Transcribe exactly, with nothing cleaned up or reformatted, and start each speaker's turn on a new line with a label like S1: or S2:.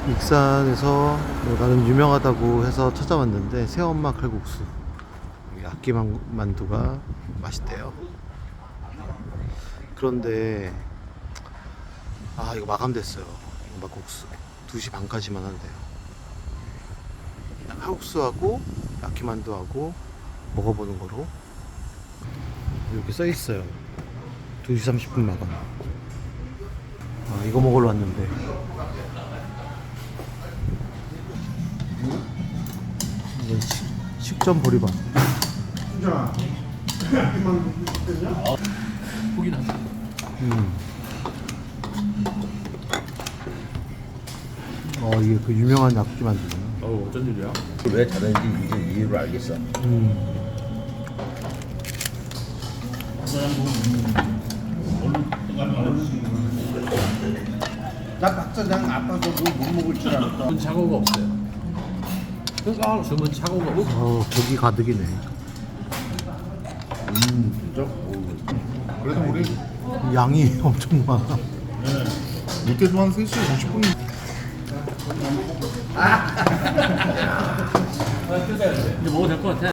S1: 익산에서 뭐 나름 유명하다고 해서 찾아왔는데 새엄마 칼국수, 여기 악기만두가 맛있대요. 그런데 아 이거 마감됐어요. 이거 막국수 두 시 반까지만 한대요. 칼국수하고 야키만두하고 먹어보는 거로 이렇게 써있어요. 두 시 삼십 분 마감. 아 이거 먹으러 왔는데 이건 식, 식전 보리밥.
S2: 보긴 하네.
S1: 음. 어 이게 그 유명한 약기만두잖아.
S2: 어 어쩐 일이야?
S3: 왜 다른지 이제 이유를 알겠어.
S1: 음.
S3: 나 박사장 아빠도 못 먹을 줄 알았다.
S2: 주문 착오가 없어요. 그러니까 주문 착오가 없어.
S1: 어 고기 가득이네.
S3: 음 진짜? 오.
S4: 그래도 우리
S1: 양이 엄청 많아.
S4: 못해도 한 세 시 오십 분.
S2: 이제 먹어도 될 것 같아.